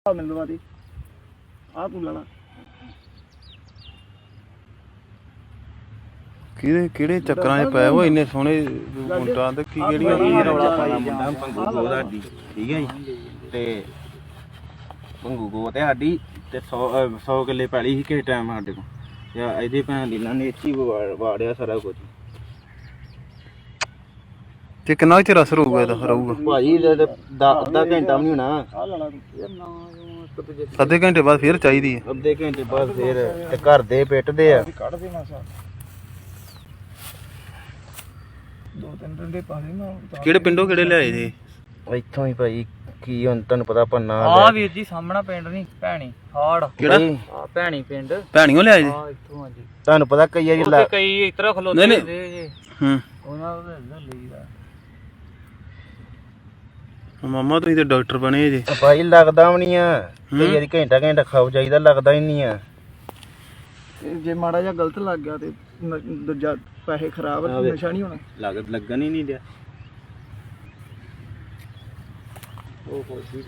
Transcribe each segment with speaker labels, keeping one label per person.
Speaker 1: ਮੈਨੂੰ ਦਵਾ ਦੇ ਆ ਤੂੰ ਲੈਣਾ
Speaker 2: ਕਿਹੜੇ ਚੱਕਰਾਂ 'ਚ ਪਏ ਹੋ ਇੰਨੇ ਸੋਹਣੇ ਮੁੰਡਾ ਤੇ ਕੀ ਕਿਹੜੀਆਂ
Speaker 3: ਕੀ ਰੌਲਾ ਪਾਣਾ ਮੁੰਡਾ ਪੰਗੂ ਗੋ ਸਾਡੀ ਠੀਕ ਹੈ ਜੀ ਤੇ ਪੰਗੂ ਗੋ ਤੇ ਸਾਡੀ ਤੇ 100 ਕਿੱਲੇ ਪੈਲੀ ਸੀ ਕਿਸੇ ਟਾਈਮ ਸਾਡੇ ਕੋਲ ਤੇ ਇਹਦੀ ਭੈਣ ਦੀ ਨਾ ਨੇਚੀ ਵਾੜਿਆ ਸਾਰਾ ਕੁਝ
Speaker 2: ਤੇ ਕਿੰਨਾ ਚਿਰ ਅਸਰ ਹੋਊਗਾ ਇਹਦਾ ਰਹੂਗਾ
Speaker 3: ਭਾਜੀ ਅੱਧਾ ਘੰਟਾ ਵੀ ਨਹੀਂ ਹੋਣਾ
Speaker 1: ਆ ਲੈਣਾ ਤੂੰ ਯਾਰ ਨਾ
Speaker 2: ਅੱਧੇ ਘੰਟੇ ਬਾਅਦ ਫਿਰ ਚਾਹੀਦੀ ਹੈ
Speaker 3: ਅੱਧੇ ਘੰਟੇ ਬਾਅਦ ਫਿਰ ਤੇ ਘਰ ਦੇ ਪਿੱਟਦੇ ਆ
Speaker 1: ਕੱਢ ਦੇ ਮਾਸਾ ਦੋ ਤਿੰਨ ਡੰਡੇ ਪਾ ਦੇ ਨਾ
Speaker 2: ਕਿਹੜੇ ਪਿੰਡੋਂ ਕਿਹੜੇ ਲਿਆਏ ਜੀ
Speaker 3: ਇੱਥੋਂ ਹੀ ਭਾਈ ਕੀ ਹੁਣ ਤੁਹਾਨੂੰ ਪਤਾ ਪੰਨਾ
Speaker 1: ਆ ਵੀਰ ਜੀ ਸਾਹਮਣਾ ਪਿੰਡ ਨਹੀਂ ਭੈਣੀ ਹਾੜ
Speaker 2: ਕਿਹੜਾ
Speaker 1: ਆ ਭੈਣੀ ਪਿੰਡ
Speaker 2: ਭੈਣੀਓ ਲਿਆਏ ਜੀ
Speaker 1: ਆ ਇੱਥੋਂ ਆ ਜੀ
Speaker 3: ਤੁਹਾਨੂੰ ਪਤਾ ਕਈ ਵਾਰੀ
Speaker 1: ਕਈ ਇਸ ਤਰ੍ਹਾਂ ਖਲੋਤੇ
Speaker 2: ਨਹੀਂ,
Speaker 1: ਹੁੰਦੇ ਜੇ
Speaker 2: ਹੂੰ
Speaker 1: ਉਹਨਾਂ ਦਾ ਲਈਦਾ
Speaker 2: ਮਾਮਾ ਤੁਸੀਂ ਤੇ ਡਾਕਟਰ ਬਣੇ ਜੀ
Speaker 3: ਭਾਈ ਲੱਗਦਾ ਵੀ ਨਹੀਂ ਆ ਕਈ ਵਾਰੀ ਘੰਟਾ ਖਾਓ ਜਾਈਦਾ ਲੱਗਦਾ ਹੀ ਨਹੀਂ ਆ
Speaker 1: ਜੇ ਮਾੜਾ ਜਿਹਾ ਗਲਤ ਲੱਗ ਗਿਆ ਤੇ ਦੂਜਾ ਪੈਸੇ ਖਰਾਬ ਨਸ਼ਾ ਨਹੀਂ ਹੋਣਾ
Speaker 3: ਲੱਗਣ ਹੀ ਨਹੀਂ ਦਿਆ
Speaker 1: ਉਹ ਕੋਈ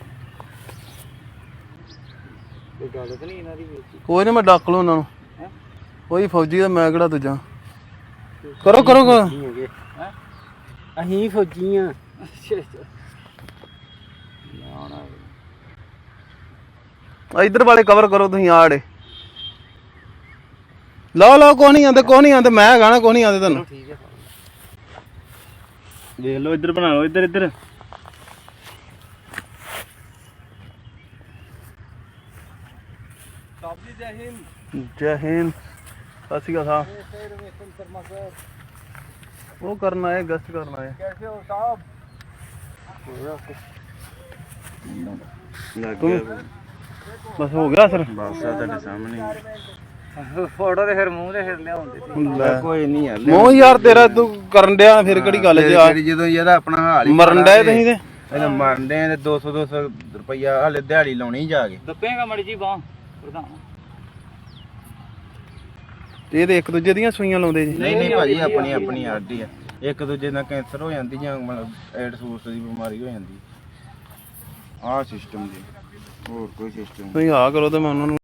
Speaker 1: ਗੱਲ ਤਾਂ ਨਹੀਂ ਇਹਨਾਂ ਦੀ ਵਿੱਚ
Speaker 2: ਕੋਈ ਨਹੀਂ ਮੈਂ ਡੱਕ ਲੂ ਉਹਨਾਂ ਨੂੰ ਕੋਈ ਫੌਜੀ ਦਾ ਮੈਂ ਕਿਹੜਾ ਦੂਜਾ ਕਰੋ
Speaker 1: ਅਸੀਂ ਫੌਜੀ ਆ
Speaker 2: ਇੱਧਰ ਵਾਲੇ ਕਵਰ ਕਰੋ ਤੁਸੀਂ ਆੜੇ ਲਓ ਕੋਈ ਨਹੀਂ ਆਂਦੇ ਮੈਂ ਹੈਗਾ ਨਾ ਕੋਈ ਨਹੀਂ ਆਂਦੇ ਤੁਹਾਨੂੰ
Speaker 1: ਠੀਕ ਹੈ
Speaker 3: ਦੇਖ ਲਓ ਇੱਧਰ ਬਣਾ ਲਓ ਇੱਧਰ
Speaker 2: ਜੈ ਹਿੰਦ ਸਤਿ ਸ਼੍ਰੀ ਅਕਾਲ ਉਹ ਕਰਨਾ ਹੈ ਗਸਤ ਕਰਨਾ ਹੈ
Speaker 1: कैसे हो साहब
Speaker 2: ਬਸ ਹੋ ਗਿਆ ਸਰ
Speaker 3: ਬਸ ਆ ਤੁਹਾਡੇ ਸਾਹਮਣੇ
Speaker 1: ਫੋਟੋ ਤੇ ਫਿਰ ਮੂੰਹ ਤੇ ਫਿਰ ਲਿਆਉਂਦੇ
Speaker 3: ਕੋਈ ਨਹੀਂ ਯਾਰ
Speaker 2: ਮੋਹ ਯਾਰ ਤੇਰਾ ਤੂੰ ਕਰਨ ਡਿਆ ਫਿਰ ਕਿਹੜੀ ਗੱਲ ਜੇ ਆ
Speaker 3: ਜਦੋਂ ਇਹਦਾ ਆਪਣਾ ਹਾਲ ਹੀ
Speaker 2: ਮਰਨ ਡਿਆ ਤੁਸੀਂ ਤੇ
Speaker 3: ਇਹਦਾ ਮਰਨ ਡਿਆ ਤੇ 200 ਰੁਪਈਆ ਹਾਲੇ ਦਿਹਾੜੀ ਲਾਉਣੀ ਜਾ ਕੇ
Speaker 1: ਦੱਪੇਗਾ ਮੜੀ ਜੀ ਬਾਹ ਪ੍ਰਧਾਨ
Speaker 2: ਤੇ ਇਹਦੇ ਇੱਕ ਦੂਜੇ ਦੀਆਂ ਸੂਈਆਂ ਲਾਉਂਦੇ ਜੀ
Speaker 3: ਨਹੀਂ ਭਾਜੀ ਆਪਣੀ ਆਡੀ ਆ ਇੱਕ ਦੂਜੇ ਨਾਲ ਕੈਂਸਰ ਹੋ ਜਾਂਦੀ ਜਾਂ ਮਤਲਬ ਐਡਸ ਦੀ ਬਿਮਾਰੀ ਹੋ ਜਾਂਦੀ ਆਹ ਸਿਸਟਮ ਜੀ ਹੋਰ ਕੋਈ ਸਿਸਟਮ
Speaker 2: ਤੁਸੀਂ ਆ ਕਰੋ ਤੇ ਮੈਂ ਉਹਨਾਂ ਨੂੰ